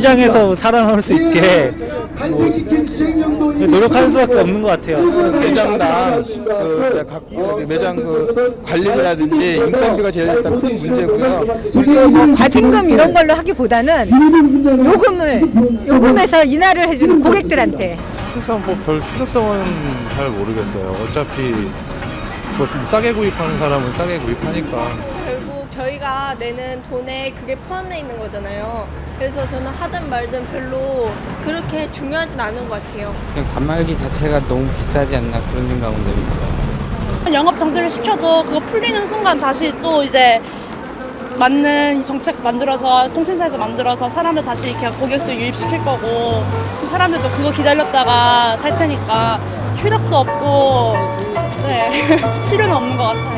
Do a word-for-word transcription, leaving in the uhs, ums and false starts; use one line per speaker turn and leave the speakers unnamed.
시장에서 살아남을 수 있게 뭐 노력하는 수밖에 없는 것 같아요.
매장당 그 각 저기 매장 그 관리비라든지 인건비가 제일 일단 큰 문제고요.
뭐 과징금 이런 걸로 하기보다는 요금을 요금에서 인하를 해주는 고객들한테.
사실상 뭐 별 필요성은 잘 모르겠어요. 어차피 뭐 싸게 구입하는 사람은 싸게 구입하니까.
결국 저희가 내는 돈에 그게 포함되어 있는 거잖아요. 그래서 저는 하든 말든 별로 그렇게 중요하진 않은 것 같아요.
그냥 단말기 자체가 너무 비싸지 않나 그런 생각은 좀 있어요.
영업 정지를 시켜도 그거 풀리는 순간 다시 또 이제 맞는 정책 만들어서 통신사에서 만들어서 사람들 다시 이렇게 고객도 유입시킬 거고 사람들도 그거 기다렸다가 살 테니까 효력도 없고 네 실효는 없는 것 같아요.